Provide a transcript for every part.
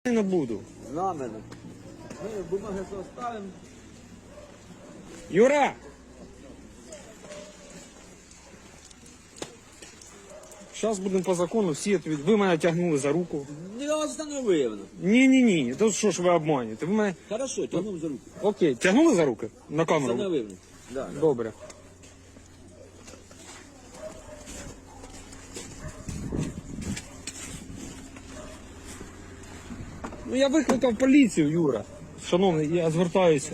Не буду. На мене. Ми бумаги оставимо. Юра! Зараз будемо по закону, всі ви мене тягнули за руку. Не остановив. Ні. То що ж ви обманюєте? Ви мене... Хорошо, тягнув за руку. Окей, тягнули за руки? На камеру? Остановив. Да. Добре. Ну я викликав поліцію, Юра. Шановний, я звертаюся.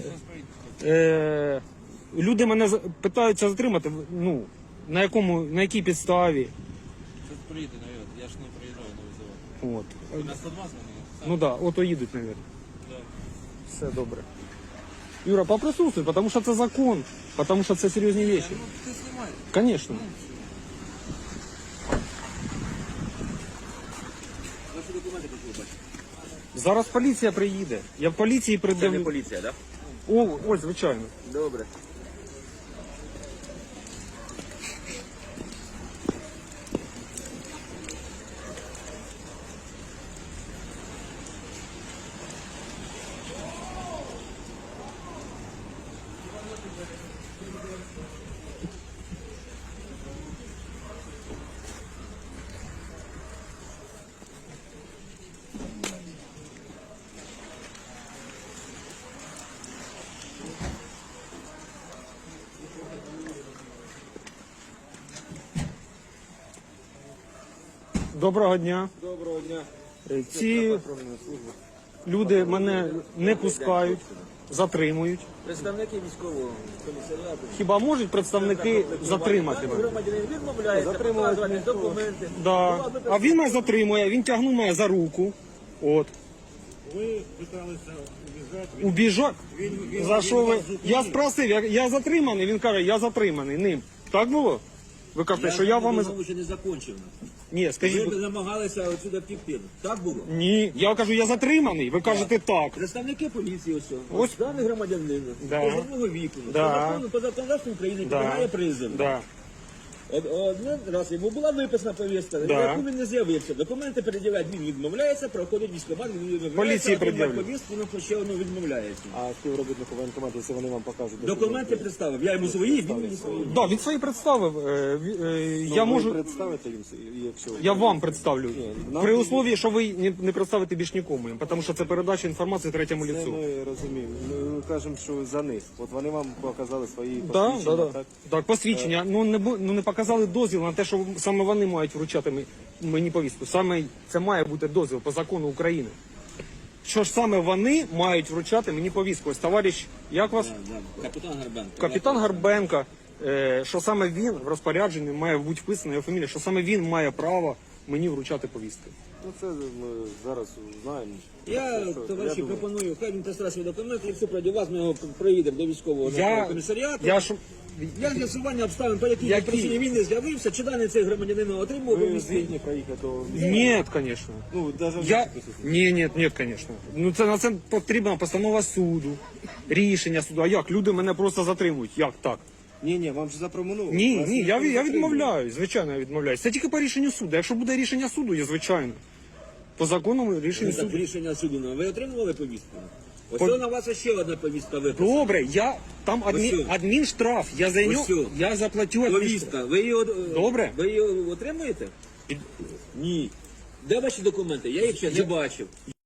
Люди мене питаються затримати, ну, на якій підставі. Тут приїде, навіть. Я ж не приїжджаю на визову. От. На 102 дзвонили? Ну да, ото їдуть, мабуть. Да. Все добре. Юра, поприсутствуй, потому что это закон, потому что это серьезные вещи. Ну, ти знімай. Конечно. Ваші документи хочу бачити. Зараз поліція приїде. Я в поліції Це не придивлю. поліція, так? Ось, звичайно. Добре. Доброго дня. Доброго дня. Ці люди мене не пускають, затримують. Представники військового комісаріату. Хіба можуть представники затримати мене? Громадянин відмовляється показувати документи. Да. А він мене затримує, він тягнув мене за руку. От. Ви питалися убіжати. Убіжать? За що ви? Я спросив, я затриманий, він каже, я затриманий ним. Так було? Ви кажете, що я вами... ще не закончив. Ні, скажіть. Ви намагалися отсюди втекти. Так було? Ні, я кажу, я затриманий, ви кажете так. Представники поліції ось. Ось. Даний громадянин. Да. Позовного віку. Да. По законодавству України Да. підлягає призову. Да. Один раз йому була виписана повістка, Да. на яку він не з'явився. Документи переділяють, він відмовляється, проходить військкомат, він відмовляється, Поліції а отримує пред'являть. повістку, він ще одну відмовляється. А співробітнику воєнкомату, якщо вони вам покажуть Документи представив, я йому свої, він мені свої. Да, він свої представив. Я можу. представити їм, якщо Я вам представлю. нам При тоді- условии, що ви не представите більш нікому, тому що це передача інформації третьому це лицю. ми розуміємо. Ми кажемо, що за них. От вони вам показали свої Да, посвідчення, да. Так, посвідчення. Ну не показали дозвіл на те, що саме вони мають вручати мені повістку. Саме це має бути дозвіл по закону України. Що ж саме вони мають вручати мені повістку? Ось товариш, як вас? Капітан Гарбенко. Капітан Гарбенко, що саме він в розпорядженні має бути вписана його фамілія, що саме він має право мені вручати повістки. Ну це ми зараз знаємо. Я, товариші, думаю, пропоную, хай він представить свої документи, і все пройде вас, ми його проїдемо до військового комісаріату. Для з'ясування обставин, по якій причині він не з'явився, чи даний цей громадянин отримав ви повістку. згідні проїхати до... Ні, звісно. Ну, навіть Ні, звісно. Ну це на це потрібна постанова суду, рішення суду. А як? Люди мене просто затримують. Як так? Ні, вам ж запропонували. Ні, я відмовляюсь. Звичайно, я відмовляюсь. Це тільки по рішенню суду. Якщо буде рішення суду, я звичайно. По законному рішенню Так, суду. рішення суду. Ви отримували повістку? Ось на вас ще одна повістка виписана. Добре, там Ось. адмінштраф. Я за нього, Ось. я заплатю адмінштраф. Повістка. Ви її, Добре. Ви її отримуєте? Ні. Де ваші документи? Я їх ще не бачив.